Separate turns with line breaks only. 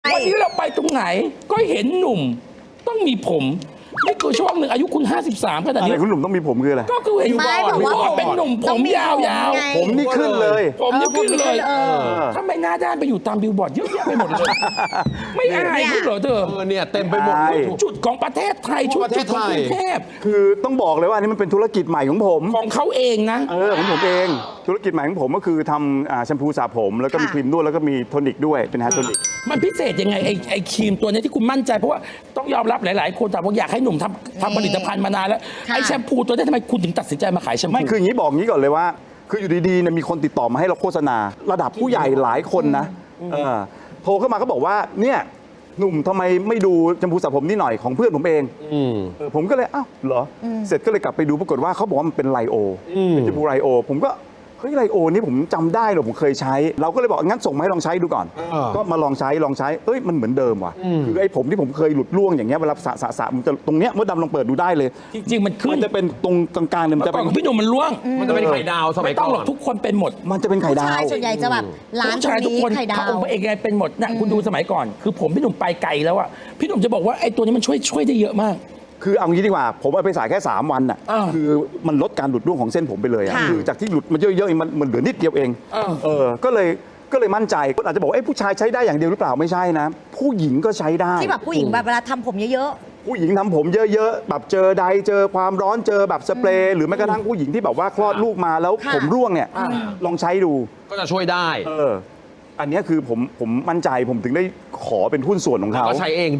วันนี้เราไปตรงไหนก็เห็นหนุ่มต้องมีผมนี่คือช่วงหนึ่งอายุคุณ 53ขนาด
อะไร
นี้
คุณหนุ่มต้องมีผมคืออะไร
ก็คือเห็น
ไม่บอกว่า
เป็นหนุ่มผมยาว
ไง
ผมนี่ขึ้นเลย
ๆผมนี่ขึ้นเลย
อ
ทำไมหน้าด้านไปอยู่ตามบิลบอร์ดเยอะแยะไปหมดเลยไม่อายคุณเหรอเธอ
เนี่ยเต็มไปหมด
ใช่
จุดของประเทศไทยชุดจุดของกรุงเทพ
คือต้องบอกเลยว่าอันนี้มันเป็นธุรกิจใหม่ของผม
ของเขาเองนะ
ของผมเองธุรกิจใหม่ของผมก็คือทำแชมพูสระผมแล้วก็มีครีมนวดแล้วก็มีโทนิกด้วยเป็นแฮร์โทนิก
มันพิเศษยังไงไอ้ครีมตัวนี้ที่คุณมั่นใจเพราะว่าต้องยอมรับหลาย ๆ คนแต่ว่าอยากให้หนุ่มทำผลิตภัณฑ์มานานแล้ว
ค่ะ
ไอ้แชมพูตัวนี้ทำไมคุณถึงตัดสินใจมาขายแชมพู
ไม่คืออย่างนี้บอกงี้ก่อนเลยว่า คืออยู่ดีๆเนี่ยมีคนติดต่อมาให้เราโฆษณา ระดับผู้ใหญ่หลายคนนะโทรเข้ามาก็บอกว่าเนี่ยหนุ่มทำไมไม่ดูแชมพูสระผมนี่หน่อยของเพื่อนผมเองผมก็เลยอ้าวเหรอเสร็จก็เลยกลับไปดูปรากฏว่าเขาบอกว่ามันเป็นไลโอเป็นแชมพูไลโอผมก็เฮ้ยไลโอนี่ผมจำได้เหรอผมเคยใช้ เราก็เลยบอกงั้นส่งมาให้ลองใช้ดูก่อน ก็มาลองใช้เอ้ยมันเหมือนเดิมว่ะคือไอ้ผมที่ผมเคยหลุดร่วงอย่างเงี้ยเวลาสระมันจะตรงเนี้ยมดดำลองเปิดดูได้เลย
จริง ๆ มันขึ้
มัน นจะเป็นตรงกลางๆเนี่ยมัน
เมื่อ
จะ
ก่อนของพี่หนุ่มมันร่วง
มันจะเป็นไข่ดาวสมั
ไม่
ย
ต้
ก่
องหร
อ
อก
น
ทุกคนเป็นหมด
มันจะเป็นไข่ดาว
ชายส่วนใหญ่จะแบบร้าน
ผู้
ตร
ชาย
ง
ทุก
นี้
คน
ไข่ดา
พระ
ว
องค์พระเอกไงเป็นหมดนะคุณดูสมัยก่อน คือผมพี่หนุ่มไปไกลแล้วอะพี่หนุ่มจะบอกว่าไอ้ตัวนี้มันช่วยได้เยอะมาก
คือเอางี้ดีกว่าผมเอาไปสายแค่ 3 วันน่ะ
อ่า
คือมันลดการหลุดร่วงของเส้นผมไปเลยอะ
ค่ะ
คือจากที่หลุดมาเยอะๆเองมันเหลือนิดเดียวเอง ก็เลยมั่นใจก็อาจจะบอกว่าผู้ชายใช้ได้อย่างเดียวหรือเปล่าไม่ใช่นะ ผู้หญิงก็ใช้ได้
ที่แบบผู้หญิงแบบเวลาทำผมเยอะ
ผู้หญิงทำผมเยอะๆแบบเจอใดเจอความร้อนเจอแบบสเปรย์หรือแม้กระทั่งผู้หญิงที่แบบว่าคลอดลูกมาแล้ว
ค่ะ
ผมร่วงเนี่ยลองใช้ดู
ก็จะช่วยได้
อันเนี้ยคือผมมั่นใจผมถึงได้ขอเป็นหุ้นส่วนของ
แล้ว
เขา
ก็ใช้เอง